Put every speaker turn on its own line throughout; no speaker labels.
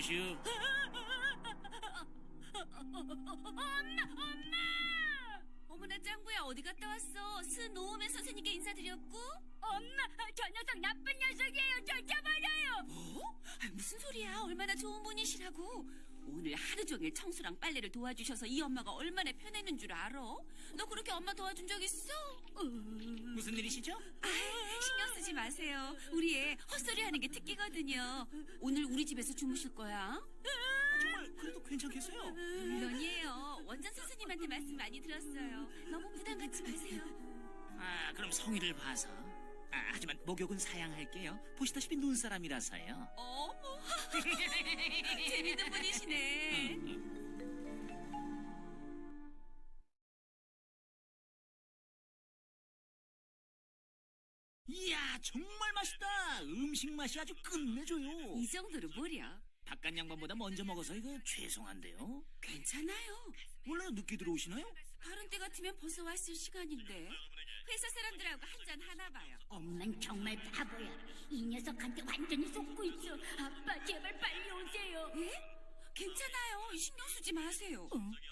계시오?
엄마! 어머나 짱구야 어디 갔다 왔어? 스노우맨 선생님께 인사드렸고? 엄마 저 녀석 나쁜 녀석이에요. 쫓아버려요. 뭐? 무슨 소리야? 얼마나 좋은 분이시라고. 오늘 하루 종일 청소랑 빨래를 도와주셔서 이 엄마가 얼마나 편했는 줄 알아? 너 그렇게 엄마 도와준 적 있어?
무슨 일이시죠?
신경 쓰지 마세요. 우리 애 헛소리하는 게 특기거든요. 오늘 우리 집에서 주무실 거야.
정말 그래도 괜찮겠어요?
물론이에요. 원장 선생님한테 말씀 많이 들었어요. 너무 부담 갖지 마세요.
그럼 성의를 봐서. 하지만 목욕은 사양할게요. 보시다시피 눈사람이라서요.
어머, 재밌는 분이시네.
이야, 정말 맛있다. 음식 맛이 아주 끝내줘요.
이 정도로 뭐려?
바깥 양반보다 먼저 먹어서 이거 죄송한데요.
괜찮아요.
원래 늦게 들어오시나요?
다른 때 같으면 벌써 왔을 시간인데. 회사 사람들하고 한잔 하나 봐요.
엄만 정말 바보야. 이 녀석한테 완전히 속고 있어. 아빠 제발 빨리 오세요.
예? 괜찮아요. 신경 쓰지 마세요.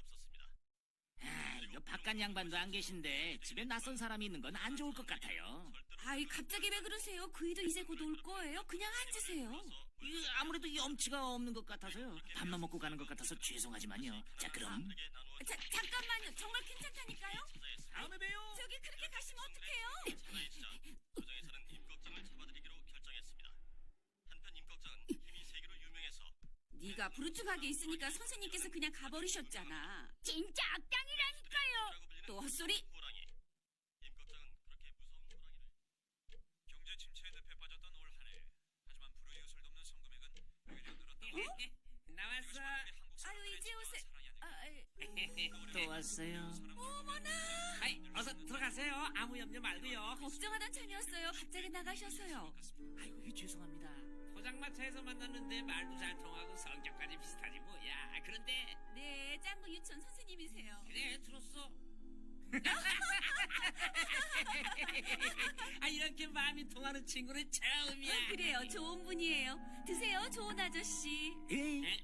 이거 바깥 양반도 안 계신데 집에 낯선 사람이 있는 건 안 좋을 것 같아요.
아이, 갑자기 왜 그러세요? 그이도 이제 곧 올 거예요. 그냥 앉으세요.
아무래도 염치가 없는 것 같아서요. 밥만 먹고 가는 것 같아서 죄송하지만요. 자, 그럼.
잠깐만요. 정말 괜찮다니까요?
다음에 봬요.
저기 그렇게 가시면 어떡해요?
도정에서는 임꺽정을 잡아들이기로 결정했습니다. 한편 임꺽정은 힘이 세계로 유명해서
네가 부르뚱하게 있으니까 선생님께서 그냥 가버리셨잖아.
진짜 악당이라니까요.
또 헛소리.
호랑이. 임꺽정은 그렇게 무서운 호랑이를
경제 침체의 늪에 빠졌던 올 한 해. 하지만 불우이웃을 돕는 성금액은 오히려 늘었다고.
나왔어.
아유, 이제 오세요.
또 왔어요.
어머나.
아이, 어서 들어가세요. 아무 염려 말고요.
걱정하던 참이었어요. 갑자기 나가셔서요.
아유, 죄송합니다.
포장마차에서 만났는데 말도 잘 통하고 성격까지 비슷하지 뭐야. 그런데
네, 짱구 유치원 선생님이세요.
그래 들었어. 이렇게 마음이 통하는 친구는 처음이야.
그래요, 좋은 분이에요. 드세요, 좋은 아저씨.
예.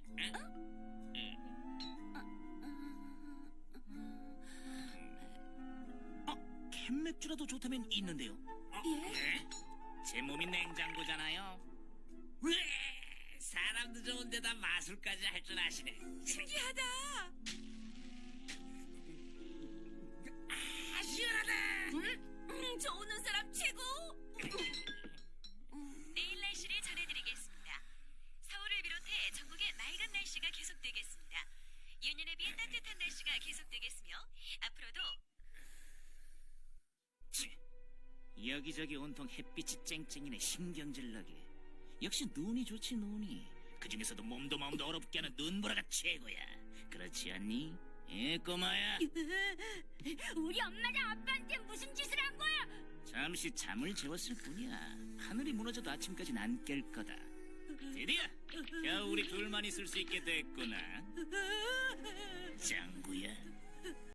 캔맥주라도 좋다면 있는데요.
예?
제 몸이 냉장고잖아요.
왜? 사람도 좋은데다 마술까지 할 줄 아시네.
신기하다.
시원하다.
저 오는 사람 최고.
내일 날씨를 전해드리겠습니다. 서울을 비롯해 전국의 맑은 날씨가 계속되겠습니다. 예년에 비해 따뜻한 날씨가 계속되겠으며 앞으로도
여기저기 온통 햇빛이 쨍쨍이네. 신경질나게. 역시 눈이 좋지, 눈이. 그중에서도 몸도 마음도 어렵게 하는 눈보라가 최고야. 그렇지 않니? 꼬마야.
우리 엄마랑 아빠한테 무슨 짓을 한 거야?
잠시 잠을 재웠을 뿐이야. 하늘이 무너져도 아침까진 안 깰 거다. 드디어 겨우 우리 둘만 있을 수 있게 됐구나. 짱구야.